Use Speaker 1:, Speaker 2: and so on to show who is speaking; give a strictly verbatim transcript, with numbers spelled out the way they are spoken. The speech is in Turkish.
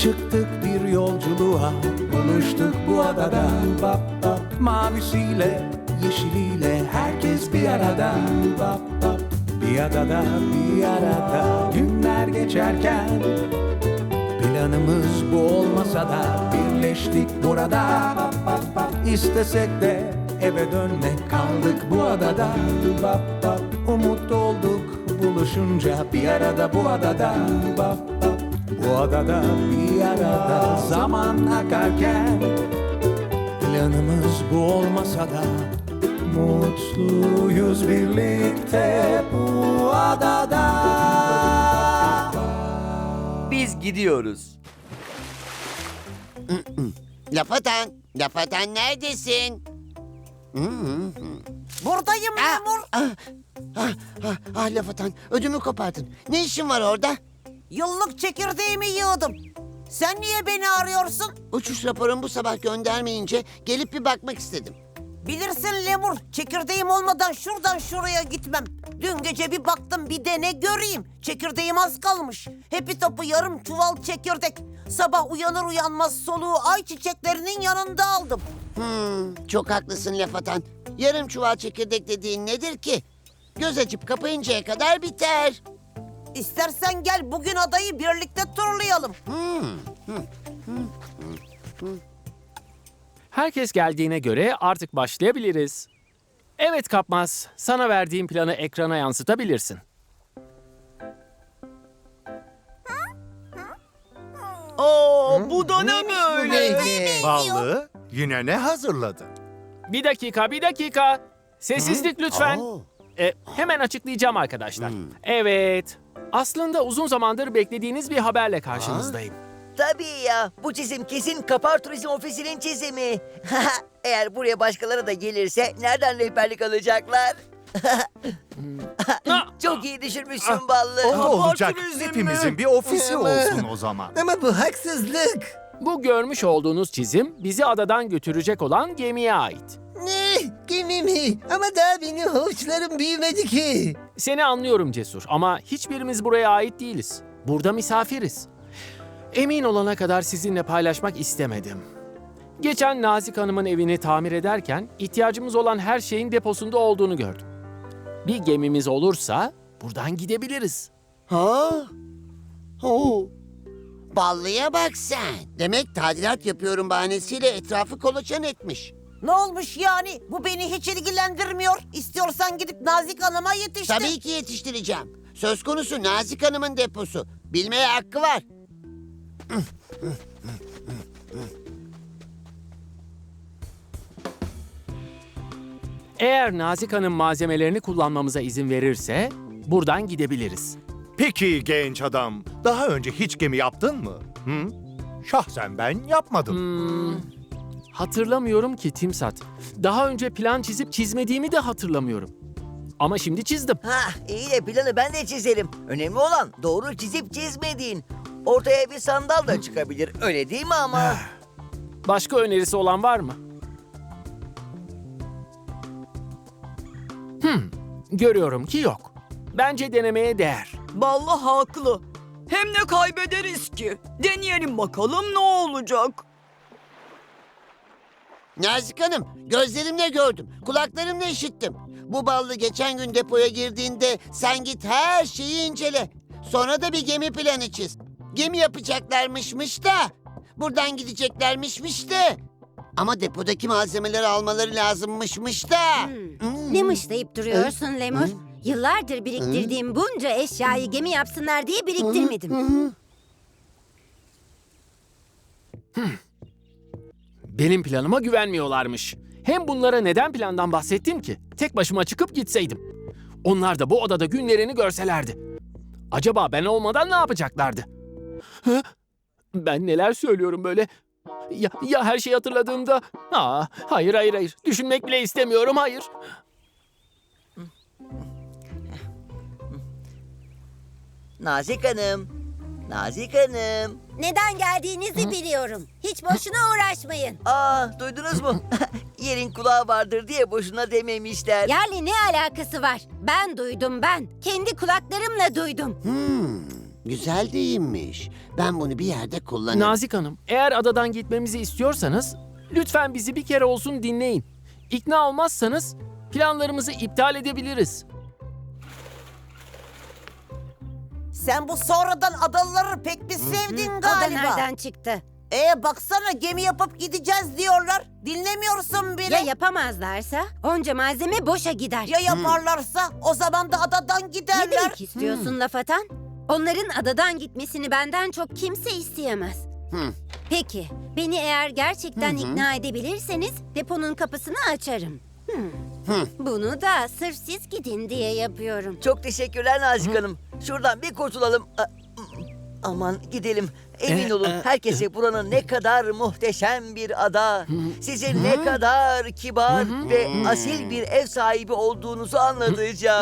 Speaker 1: Çıktık bir yolculuğa, buluştuk bu adada. Bap bap, mavisiyle, yeşiliyle herkes bir arada. Bap bap, bir adada, bir arada. Günler geçerken planımız bu olmasa da birleştik burada. Bap bap bap, istesek de eve dönmek, kaldık bu adada. Bap bap, umut olduk buluşunca bir arada bu adada. Bap bap, bu adada bir arada. Zaman akarken planımız bu olmasa da mutluyuz birlikte bu adada.
Speaker 2: Biz gidiyoruz.
Speaker 3: Laf atan, laf atan neredesin?
Speaker 4: Buradayım
Speaker 3: Ah,
Speaker 4: Lemur.
Speaker 3: ah, ah, ah, ah, laf atan, ödümü kopardın. Ne işin var orada?
Speaker 4: Yıllık çekirdeğimi yığdım. Sen niye beni arıyorsun?
Speaker 3: Uçuş raporumu bu sabah göndermeyince gelip bir bakmak istedim.
Speaker 4: Bilirsin Lemur, çekirdeğim olmadan şuradan şuraya gitmem. Dün gece bir baktım, bir de ne göreyim. Çekirdeğim az kalmış. Hepi topu yarım çuval çekirdek. Sabah uyanır uyanmaz soluğu ay çiçeklerinin yanında aldım.
Speaker 3: Hmm, çok haklısın laf atan. Yarım çuval çekirdek dediğin nedir ki? Göz açıp kapayıncaya kadar biter.
Speaker 4: İstersen gel bugün adayı birlikte turlayalım.
Speaker 5: Herkes geldiğine göre artık başlayabiliriz. Evet Kapmaz, sana verdiğim planı ekrana yansıtabilirsin.
Speaker 2: Oo, bu da ne böyle?
Speaker 6: Ballı, yine ne hazırladın?
Speaker 5: Bir dakika, bir dakika. Sessizlik lütfen.
Speaker 3: Oo.
Speaker 5: E, hemen açıklayacağım arkadaşlar. Evet, aslında uzun zamandır beklediğiniz bir haberle karşınızdayım.
Speaker 7: Tabii ya. Bu çizim kesin Kapar Turizm Ofisi'nin çizimi. Eğer buraya başkaları da gelirse nereden rehberlik alacaklar? Çok iyi düşünmüşsün Ballı.
Speaker 6: O olacak.
Speaker 2: turizmi.
Speaker 6: Hepimizin bir ofisi olsun o zaman.
Speaker 8: Ama bu haksızlık.
Speaker 5: Bu görmüş olduğunuz çizim bizi adadan götürecek olan gemiye ait.
Speaker 8: Ne? Gemi mi? Ama daha benim havuçlarım büyümedi ki.
Speaker 5: Seni anlıyorum Cesur ama hiçbirimiz buraya ait değiliz. Burada misafiriz. Emin olana kadar sizinle paylaşmak istemedim. Geçen Nazik Hanım'ın evini tamir ederken ihtiyacımız olan her şeyin deposunda olduğunu gördüm. Bir gemimiz olursa buradan gidebiliriz.
Speaker 3: Ha? Oo. Ballıya bak sen. Demek tadilat yapıyorum bahanesiyle etrafı kolaçan etmiş.
Speaker 4: Ne olmuş yani? Bu beni hiç ilgilendirmiyor. İstiyorsan gidip Nazik Hanım'a yetiştir.
Speaker 3: Tabii ki yetiştireceğim. Söz konusu Nazik Hanım'ın deposu. Bilmeye hakkı var.
Speaker 5: Eğer Nazik Hanım malzemelerini kullanmamıza izin verirse buradan gidebiliriz.
Speaker 6: Peki genç adam, daha önce hiç gemi yaptın mı? Hı? Şahsen ben yapmadım.
Speaker 5: Hmm, hatırlamıyorum ki Timsat. Daha önce plan çizip çizmediğimi de hatırlamıyorum. Ama şimdi çizdim.
Speaker 7: Ha, iyi de planı ben de çizerim. Önemli olan doğru çizip çizmediğin. Ortaya bir sandal da çıkabilir. Öyle değil mi ama?
Speaker 5: Başka önerisi olan var mı? Hmm, görüyorum ki yok. Bence denemeye değer.
Speaker 9: Ballı haklı. Hem ne kaybederiz ki? Deneyelim bakalım ne olacak?
Speaker 3: Nazik Hanım, gözlerimle gördüm, kulaklarımla işittim. Bu ballı geçen gün depoya girdiğinde sen git her şeyi incele. Sonra da bir gemi planı çiz. Gemi yapacaklarmışmış da, buradan gideceklermişmiş de. Ama depodaki malzemeleri almaları lazımmışmış da. Hmm.
Speaker 10: Ne mışlayıp duruyorsun Lemur? Yıllardır biriktirdiğim bunca eşyayı gemi yapsınlar diye biriktirmedim.
Speaker 5: Benim planıma güvenmiyorlarmış. Hem bunlara neden plandan bahsettim ki? Tek başıma çıkıp gitseydim. Onlar da bu odada günlerini görselerdi. Acaba ben olmadan ne yapacaklardı? Hı? Ben neler söylüyorum böyle? Ya, ya her şeyi hatırladığımda? Aa, hayır hayır hayır. Düşünmek bile istemiyorum, hayır.
Speaker 7: Nazik Hanım. Nazik Hanım.
Speaker 10: Neden geldiğinizi biliyorum. Hiç boşuna uğraşmayın.
Speaker 7: Aa, duydunuz mu? Yerin kulağı vardır diye boşuna dememişler.
Speaker 10: Yerle ne alakası var? Ben duydum ben. Kendi kulaklarımla duydum.
Speaker 3: Hmm. Güzel deyimmiş. Ben bunu bir yerde kullanırım.
Speaker 5: Nazik Hanım, eğer adadan gitmemizi istiyorsanız lütfen bizi bir kere olsun dinleyin. İkna olmazsanız planlarımızı iptal edebiliriz.
Speaker 4: Sen bu sonradan adalıları pek bir sevdin
Speaker 10: O da
Speaker 4: galiba.
Speaker 10: nereden çıktı?
Speaker 4: Ee baksana gemi yapıp gideceğiz diyorlar. Dinlemiyorsun bile.
Speaker 10: Ya yapamazlarsa onca malzeme boşa gider.
Speaker 4: Ya yaparlarsa o zaman da adadan
Speaker 10: Ne
Speaker 4: giderler.
Speaker 10: demek istiyorsun laf atan? Onların adadan gitmesini benden çok kimse isteyemez. Peki, beni eğer gerçekten ikna edebilirseniz deponun kapısını açarım. Hmm. Bunu da sırf siz gidin diye yapıyorum.
Speaker 7: Çok teşekkürler Nazik Hanım. Şuradan bir kurtulalım. A- Aman gidelim. Emin olun herkese buranın ne kadar muhteşem bir ada, sizin ne kadar kibar ve asil bir ev sahibi olduğunuzu anlatacağım.